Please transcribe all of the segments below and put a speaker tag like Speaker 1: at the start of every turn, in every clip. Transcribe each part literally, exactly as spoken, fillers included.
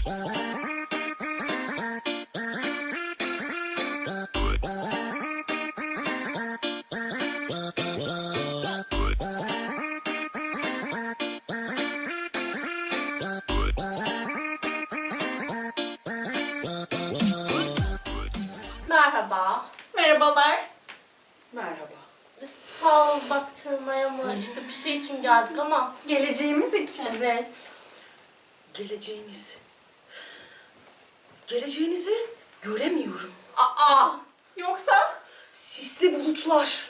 Speaker 1: Merhaba.
Speaker 2: Merhabalar.
Speaker 3: Merhaba.
Speaker 1: Biz fal baktırmaya mı işte bir şey için geldik ama.
Speaker 2: Geleceğimiz için.
Speaker 1: Evet.
Speaker 3: Geleceğiniz. Geleceğinizi göremiyorum.
Speaker 1: Aa!
Speaker 2: Yoksa
Speaker 3: Sisli bulutlar.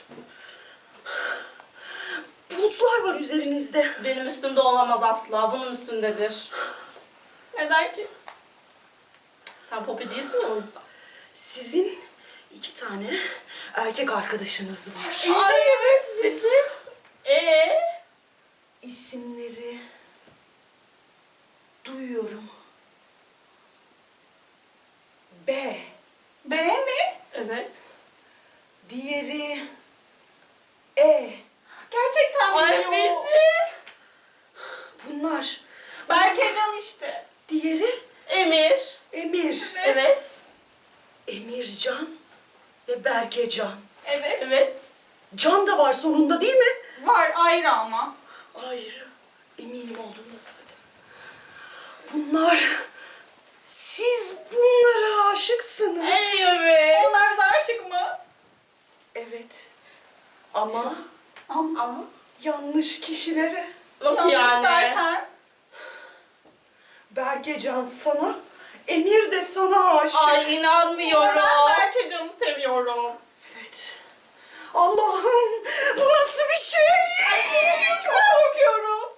Speaker 3: Bulutlar var üzerinizde.
Speaker 1: Benim üstümde olamaz asla. Bunun üstündedir.
Speaker 2: neden ki?
Speaker 1: Sen Poppy değilsin ya o yüzden.
Speaker 3: Sizin iki tane erkek arkadaşınız var.
Speaker 1: Ay evet Zeki. Ee?
Speaker 3: İsimleri duyuyorum. B.
Speaker 2: B mi?
Speaker 1: Evet.
Speaker 3: Diğeri E.
Speaker 2: Gerçekten
Speaker 1: Ay
Speaker 2: biliyor.
Speaker 1: bildi.
Speaker 3: Bunlar.
Speaker 2: Berkecan işte.
Speaker 3: Diğeri
Speaker 1: Emir.
Speaker 3: Emir.
Speaker 1: Evet.
Speaker 3: Emircan ve Berkecan.
Speaker 2: Evet.
Speaker 1: Evet.
Speaker 3: Can da var sonunda değil mi?
Speaker 2: Var ayrı ama.
Speaker 3: Hayır. Eminim olduğuna zaten. Bunlar... Siz bunlara aşıksınız.
Speaker 1: Evet.
Speaker 2: Onlar bize aşık mı?
Speaker 3: Evet. Ama
Speaker 2: Ama.
Speaker 1: Ama
Speaker 3: yanlış kişilere.
Speaker 1: nasıl
Speaker 2: Yanlış
Speaker 1: yani?
Speaker 2: derken.
Speaker 3: Berkecan sana, Emir de sana aşık.
Speaker 1: Ay inanmıyorum.
Speaker 2: Ben Berkecan'ı seviyorum.
Speaker 3: Evet. Allah'ım bu nasıl bir şey?
Speaker 2: Çok korkuyorum.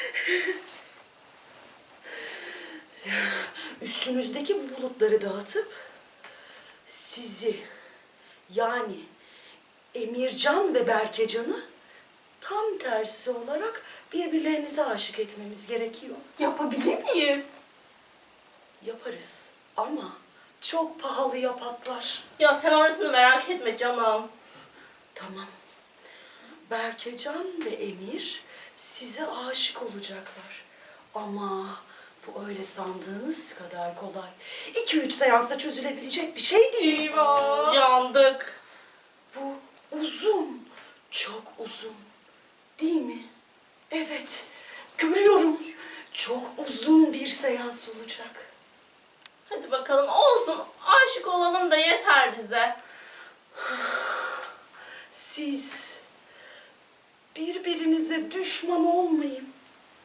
Speaker 3: Üstünüzdeki bu bulutları dağıtıp sizi yani Emircan ve Berkecan'ı tam tersi olarak birbirlerinize aşık etmemiz gerekiyor.
Speaker 2: Yapabilir miyiz?
Speaker 3: Yaparız ama çok pahalıya patlar.
Speaker 1: Ya sen orasını merak etme canım.
Speaker 3: Tamam. Berkecan ve Emir size aşık olacaklar. Ama bu öyle sandığınız kadar kolay. İki üç seansta çözülebilecek bir şey değil.
Speaker 2: Eyvah.
Speaker 1: Yandık.
Speaker 3: Bu uzun, çok uzun. Değil mi? Evet, görüyorum. Çok uzun bir seans olacak.
Speaker 1: Hadi bakalım olsun. Aşık olalım da yeter bize.
Speaker 3: Siz birbirinize düşman olmayın.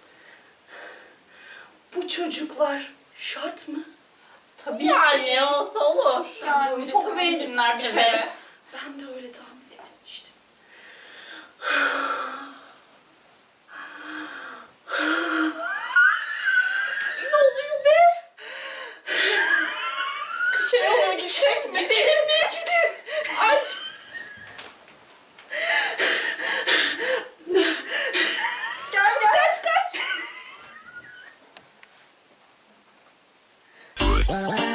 Speaker 3: Bu çocuklar şart mı?
Speaker 2: Tabii
Speaker 1: Yani
Speaker 2: ki.
Speaker 1: olsa olur.
Speaker 3: Ben de
Speaker 2: Yani
Speaker 3: öyle
Speaker 2: çok
Speaker 3: tahmin
Speaker 2: zenginler bir
Speaker 1: ettim.
Speaker 2: şey.
Speaker 1: Evet.
Speaker 3: Ben de öyle tahmin etmiştim.
Speaker 1: Ne oluyor be?
Speaker 2: Bir şey oluyor gidecek mi? Değil mi?
Speaker 3: Gidin.
Speaker 1: Ay.
Speaker 2: Gel gel. Kaç kaç.